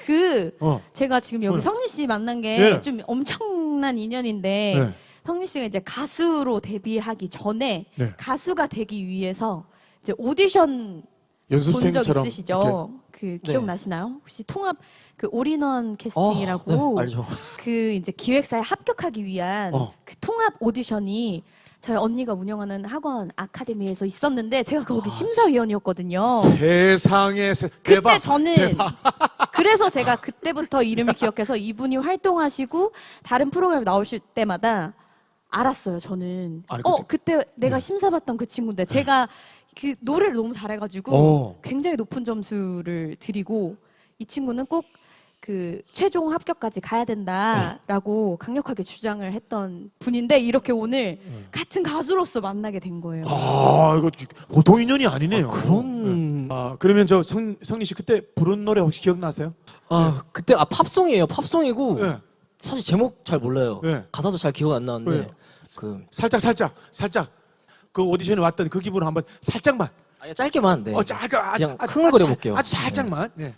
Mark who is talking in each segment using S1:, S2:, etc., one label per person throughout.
S1: 제가 지금 여기 성리 씨 만난 게 좀 엄청난 인연인데 성리 씨가 이제 가수로 데뷔하기 전에 가수가 되기 위해서 이제 오디션 본 적
S2: 연습생처럼
S1: 있으시죠? 그 기억나시나요? 혹시 통합 그 올인원 캐스팅이라고
S3: 네, 알죠.
S1: 그 이제 기획사에 합격하기 위한 그 통합 오디션이 저희 언니가 운영하는 학원 아카데미에서 있었는데 제가 거기 심사위원이었거든요.
S2: 세상에
S1: 그때
S2: 대박.
S1: 저는 그래서 제가 그때부터 이름을 기억해서 이분이 활동하시고 다른 프로그램 나오실 때마다 알았어요. 저는
S2: 아니,
S1: 그때 내가 심사받던 그 친구인데 제가 그 노래를 너무 잘해가지고 굉장히 높은 점수를 드리고 이 친구는 꼭 그 최종 합격까지 가야 된다라고 강력하게 주장을 했던 분인데 이렇게 오늘 같은 가수로서 만나게 된 거예요.
S2: 아 이거 보통 인연이 아니네요.
S3: 그런.
S2: 그러면 저 성리 씨 그때 부른 노래 혹시 기억나세요?
S3: 그때 팝송이에요. 팝송이고
S2: 네.
S3: 사실 제목 잘 몰라요.
S2: 네.
S3: 가사도 잘 기억 안 나는데
S2: 네.
S3: 그
S2: 살짝 그 오디션에 왔던 그 기분을 한번 살짝만.
S3: 짧게만. 네. 그냥 흥얼거려 볼게요.
S2: 아주 살짝만. 네.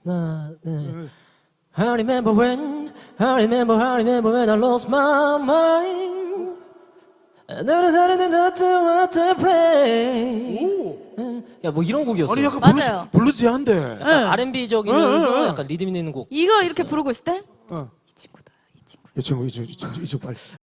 S3: I remember when I remember when I lost my mind. 야, 뭐 이런 곡이었어요.
S2: 아니 약간
S1: 맞아요.
S2: 블루지한데.
S3: 약간 R&B적이면서 약간 리듬 있는 곡.
S1: 이걸 이렇게 부르고 있을 때
S2: 어.
S1: 이 친구다, 이 친구.
S2: 이 친구 빨리.